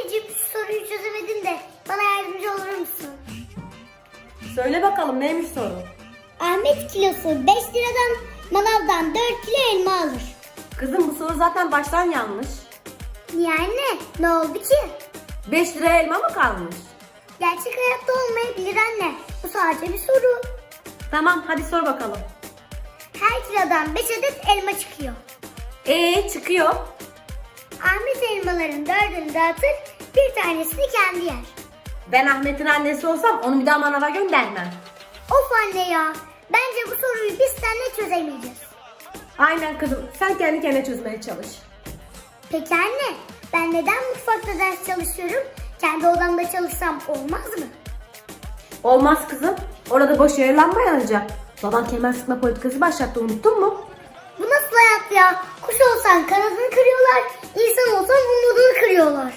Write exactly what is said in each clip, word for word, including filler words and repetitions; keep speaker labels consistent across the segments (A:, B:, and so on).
A: Anneciğim şu soruyu çözemedim de bana yardımcı olur musun?
B: Söyle bakalım neymiş soru?
A: Ahmet kilosu beş liradan manavdan dört kilo elma alır.
B: Kızım bu soru zaten baştan yanlış.
A: Niye anne? Ne oldu ki?
B: beş liraya elma mı kalmış?
A: Gerçek hayatta olmayabilir anne. Bu sadece bir soru.
B: Tamam hadi sor bakalım.
A: Her kilodan beş adet elma çıkıyor.
B: Ee çıkıyor.
A: Ahmet elmaların dördünü dağıtır, bir tanesini kendi yer.
B: Ben Ahmet'in annesi olsam onu bir daha manava göndermem.
A: Of anne ya. Bence bu soruyu biz seninle çözemeyeceğiz.
B: Aynen kızım sen kendi kendine çözmeye çalış.
A: Peki anne, ben neden mutfakta ders çalışıyorum? Kendi odamda çalışsam olmaz mı?
B: Olmaz kızım. Orada boş yaralanma yanacak. Baban kemer sıkma politikası başlattı unuttun mu?
A: Bu nasıl hayat ya? Kuş olsan kanadını kırıyorlar, insan olsan umudunu kırıyorlar.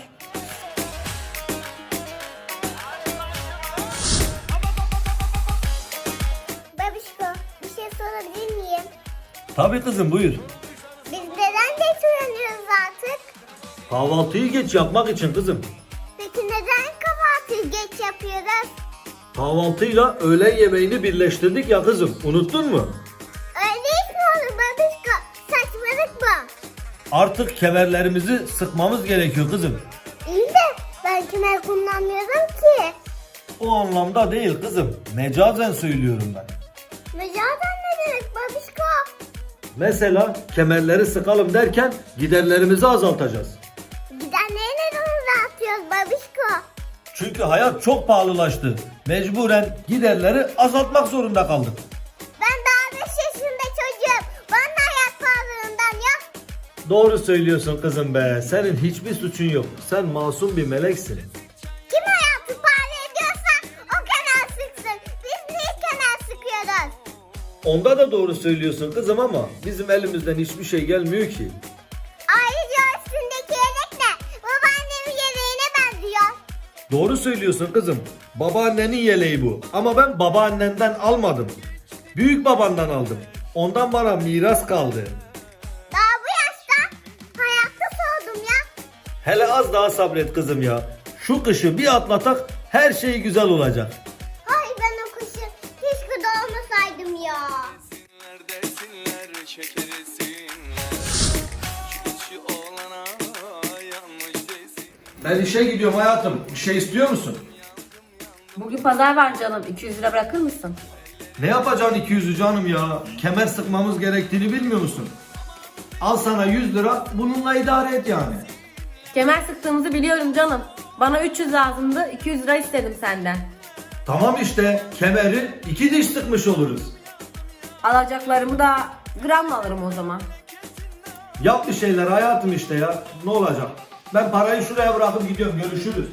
A: Babişko, bir şey sorabilir miyim?
C: Tabii kızım buyur.
A: Biz neden geç uyanıyoruz artık?
C: Kahvaltıyı geç yapmak için kızım.
A: Peki neden kahvaltıyı geç yapıyoruz?
C: Kahvaltıyla öğlen yemeğini birleştirdik ya kızım. Unuttun mu?
A: Öyle iş mi olur babişko? Saçmalık mı?
C: Artık kemerlerimizi sıkmamız gerekiyor kızım.
A: İyi de ben kemer kullanmıyorum ki.
C: O anlamda değil kızım. Mecazen söylüyorum ben.
A: Mecazen ne demek babişko?
C: Mesela kemerleri sıkalım derken giderlerimizi azaltacağız.
A: Gidenleri neden dağıtıyoruz babişko?
C: Çünkü hayat çok pahalılaştı. Mecburen giderleri azaltmak zorunda kaldık.
A: Ben daha beş yaşında çocuğum. Bana da hayat pahalılığından ya.
C: Doğru söylüyorsun kızım be. Senin hiçbir suçun yok. Sen masum bir meleksin.
A: Kim hayatı pahalı ediyorsa o kenar sıksın. Biz niye kenar sıkıyoruz?
C: Onda da doğru söylüyorsun kızım ama bizim elimizden hiçbir şey gelmiyor ki.
A: Ayrıca üstündeki yelek ne? Babaannemin yeleğine benziyor.
C: Doğru söylüyorsun kızım. Babaannenin yeleği bu. Ama ben babaannenden almadım. Büyük babandan aldım. Ondan bana miras kaldı.
A: Daha bu yaşta hayatta soğudum ya.
C: Hele az daha sabret kızım ya. Şu kışı bir atlatak her şey güzel olacak.
A: Hay ben o kışı keşke doğmasaydım ya.
D: Desinler, şekerisinler. Şu içi olana yanmış desin.
C: Ben işe gidiyorum hayatım. Bir şey istiyor musun?
B: Bugün pazar var canım. iki yüz lira bırakır mısın?
C: Ne yapacaksın iki yüzü canım ya? Kemer sıkmamız gerektiğini bilmiyor musun? Al sana yüz lira bununla idare et yani.
B: Kemer sıktığımızı biliyorum canım. Bana üç yüz lazımdı. iki yüz lira istedim senden.
C: Tamam işte kemeri iki diş sıkmış oluruz.
B: Alacaklarımı da gramla alırım o zaman.
C: Yap bir şeyler hayatım işte ya. Ne olacak? Ben parayı şuraya bırakıp gidiyorum. Görüşürüz.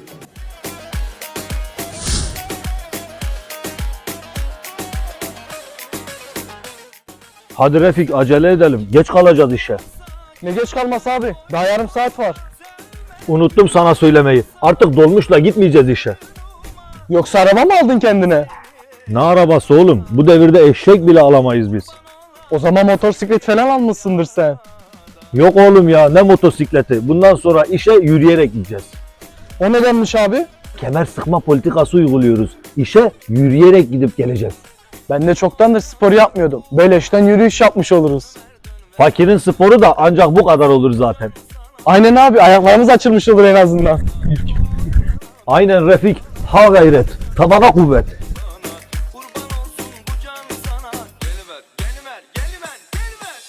C: Hadi Refik acele edelim. Geç kalacağız işe.
E: Ne geç kalması abi? Daha yarım saat var.
C: Unuttum sana söylemeyi. Artık dolmuşla gitmeyeceğiz işe.
E: Yoksa araba mı aldın kendine?
C: Ne arabası oğlum? Bu devirde eşek bile alamayız biz.
E: O zaman motosiklet falan almışsındır sen.
C: Yok oğlum ya ne motosikleti. Bundan sonra işe yürüyerek gideceğiz.
E: O nedenmiş abi?
C: Kemer sıkma politikası uyguluyoruz. İşe yürüyerek gidip geleceğiz.
E: Ben de çoktandır spor yapmıyordum. Beleşten yürüyüş yapmış oluruz.
C: Fakirin sporu da ancak bu kadar olur zaten.
E: Aynen abi, ayaklarımız açılmış olur en azından.
C: Aynen Refik. Ha gayret. Tabana kuvvet.
D: Kurban olsun bu can sana. Geliver, geliver, geliver, geliver.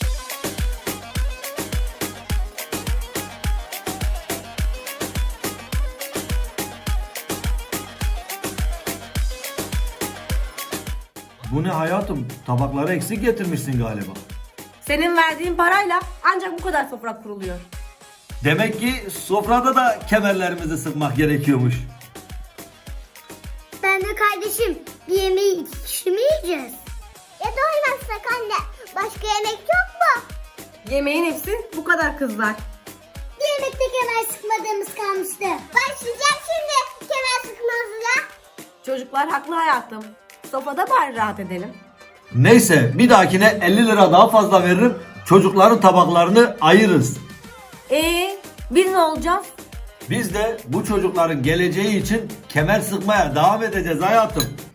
C: Bu ne hayatım? Tabakları eksik getirmişsin galiba.
B: Senin verdiğin parayla ancak bu kadar sofra kuruluyor.
C: Demek ki sofrada da kemerlerimizi sıkmak gerekiyormuş.
A: Ben de kardeşim bir yemeği iki kişi mi yiyeceğiz? Ya doymazsak anne başka yemek yok mu?
B: Yemeğin hepsi bu kadar kızlar.
A: Bir yemekte kemer sıkmadığımız kalmıştı. Başlayacağım şimdi kemer sıkmazlığa.
B: Çocuklar haklı hayatım. Sofada bari rahat edelim.
C: Neyse bir dahakine elli lira daha fazla veririm. Çocukların tabaklarını ayırırız.
B: Ee, biz ne olacağız?
C: Biz de bu çocukların geleceği için kemer sıkmaya devam edeceğiz hayatım.